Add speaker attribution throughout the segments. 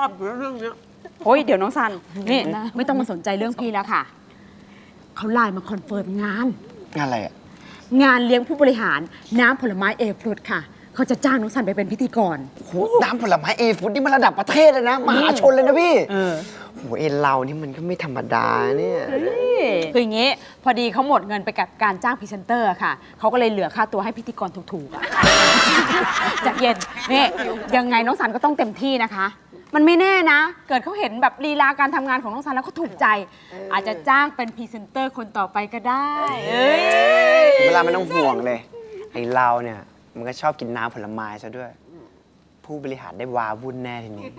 Speaker 1: อบอยู่เรื่องเนี้ย
Speaker 2: โอ้ยเดี๋ยวน้องซันนี่ไม่ต้องมาสนใจเรื่องพี่แล้วค่ะเขาไลน์มาคอนเฟิร์มงาน
Speaker 1: งานอะไรอ่ะ
Speaker 2: งานเลี้ยงผู้บริหารน้ำผลไม้เอฟรุตค่ะเขาจะจ้างน้องซันไปเป็นพิธีกร
Speaker 1: โหน้ำผลไม้เอฟุตนี่มันระดับประเทศเลยนะ มหาชนเลยนะพี่โหเรานี่มันก็ไม่ธรรมดาเนี่ย
Speaker 2: คืออย่างงี้พอดีเขาหมดเงินไปกับการจ้างพรีเซนเตอร์ค่ะเขาก็เลยเหลือค่าตัวให้พิธีกรถูกๆอะ จากเย็นนี่ยังไงน้องซันก็ต้องเต็มที่นะคะ มันไม่แน่นะ เกิดเขาเห็นแบบลีลาการทำงานของน้องซันแล้วเขาถูกใจ อาจจะจ้างเป็นพรีเซนเตอร์คนต่อไปก็ได้เอ้ย
Speaker 1: เวลาไม่ต้องห่วงเลย ไอเราเนี่ย มันก็ชอบกินน้ำผลไม้ซะด้วย ผู้บริหารได้วาวุ่นแน่ทีนี้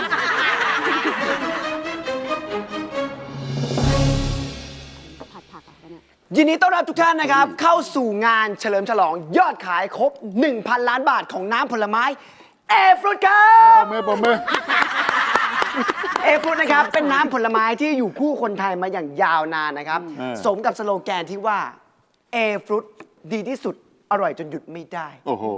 Speaker 2: ผัดผักอะไรเนี่ย
Speaker 1: ยินดีต้อนรับทุกท่านนะครับ เข้าสู่งานเฉลิมฉลองยอดขายครบ 1,000 ล้านบาทของน้ำผลไม้เอฟรุตครับ
Speaker 3: ปมมือ
Speaker 1: เอฟรุตนะครับ เป็นน้ำผลไม้ที่อยู่คู่คนไทยมาอย่างยาวนานนะครับ สมกับสโลแกนที่ว่าเอฟรุตดีที่สุดอร่อยจนหยุดไม่ได้
Speaker 3: โอ้โห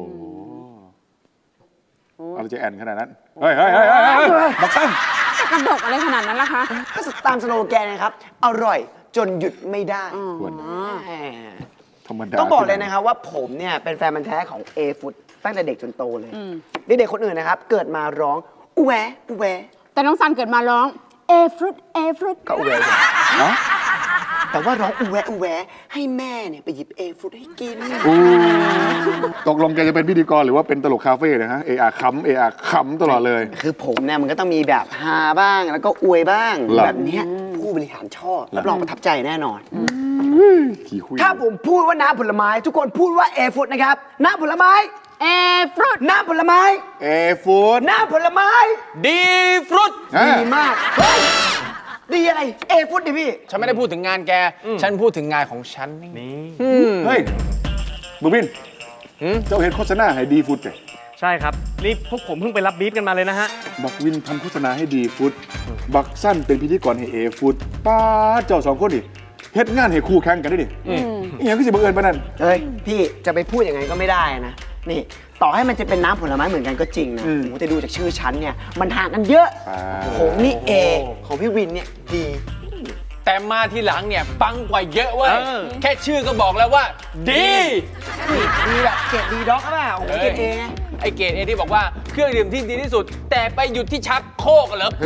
Speaker 3: อะไรจะแอนขนาดนั้น เฮ้ยบักตั้ง
Speaker 2: จะกระดกอะไรขนาดนั้นล่ะคะ
Speaker 1: ก็ตามสโลแกนนะครับ อร่อยจนหยุดไม่ได้
Speaker 3: ควร
Speaker 1: แหม
Speaker 3: ธรรมดา
Speaker 1: ต้องบอกเลยนะครับว่าผมเนี่ยเป็นแฟนมันธุ์แท้ของเอฟุตตั้งแต่เด็กจนโตเลยเด็กๆคนอื่นนะครับ เกิดมาร้องอูแวอูแว
Speaker 2: แต่น้องซันเกิดมาร้องเอฟรุตเอฟรุต
Speaker 1: ก็อูแวอยู่
Speaker 3: เนาะ
Speaker 1: แต่ว่าร้องอูแวอูแวให้แม่เนี่ยไปหยิบเอฟุตให้กิน
Speaker 3: ตกลงแกจะเป็นพิธีกรหรือว่าเป็นตลกคาเฟ่นะฮะเออาขำตลอดเลย
Speaker 1: คือผมเนี่ยมันก็ต้องมีแบบฮาบ้างแล้วก็อวยบ้าง
Speaker 3: หรอ
Speaker 1: แบบเนี้ยผู้บริหารชอบรับรองประทับใจแน่นอน
Speaker 3: ขี่คุย
Speaker 1: ถ้าผมพูดว่าน้ำผลไม้ ทุกคนพูดว่าเอฟุตนะครับน้ำผลไม้
Speaker 2: เอฟรุต
Speaker 1: น้ำผลไม้
Speaker 3: เอฟูด
Speaker 1: น้ำผลไม้
Speaker 4: ดีฟรุต
Speaker 1: ดีมากเฮ้ยดีอะไรเอฟุตดิพี่
Speaker 4: ฉันไม่ได้พูดถึงงานแก ฉันพูดถึงงานของฉันนี่
Speaker 3: เฮ้ยบูบินเจ้าเห็นโฆษณาให้ดีฟูดแก
Speaker 5: ใช่ครับ นี่พวกผมเพิ่งไปรับบีฟกันมาเลยนะฮะ
Speaker 3: บักวินทำโฆษณาให้ดีฟูดบักสั้นเป็นพิธีกรให้เอฟูดป้าดเจ้าสองคนดิเฮ็ดงานให้คู่แข่งกันได้ดิอีหยังก็สิบังเอิญปานนั้น
Speaker 1: เฮ้ยพี่จะไปพูดอย่างนั้นก็ไม่ได้นะนี่ต่อให้มันจะเป็นน้ำผลไม้เหมือนกันก็จริงนะโอ้โหแต่ดูจากชื่อชั้นเนี่ยมันห่างกันเยอะผมนี่เอของพี่วินเนี่ยดี
Speaker 4: แต่มาทีหลังเนี่ยปังกว่าเยอะเว้ย
Speaker 5: เออ
Speaker 4: แค่ชื่อก็บอกแล้วว่า ดี
Speaker 1: ดีแบบเกรดดีด็อกหรือเปล่าโอ้โหเกรดเอไง
Speaker 4: ไอเกรดเอที่บอกว่าเครื่องดื่มที่ดีที่สุด แต่ไปหยุดที่ชักโครกเหรอ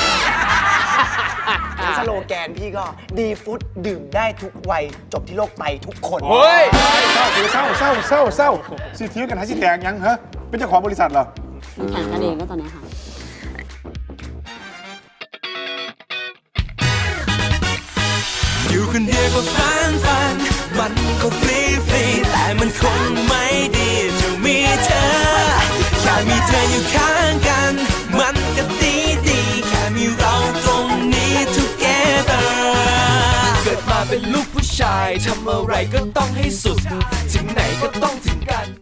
Speaker 1: สโลแกนพี่ก็ดีฟุตดื่มได้ทุกวัยจบที่โรคไตทุกคน
Speaker 4: เฮ้ย
Speaker 3: เศร้าสิเทียงกันหาสิแตกยังฮะเป็นเจ้าของบริษัทเหรอ
Speaker 2: มันแข่งกันเองก็ตอนนี้ค่ะ
Speaker 6: อยู่คนเดียวก็ฝันมันก็ฟรีแต่มันคงไม่ดีจะมีเธอแค่มีเธออยู่ข้างกันมันก็ดีแค่มีเราตรงนี้ together เกิดมาเป็นลูกผู้ชายทำอะไรก็ต้องให้สุดถึงไหนก็ต้องถึงกัน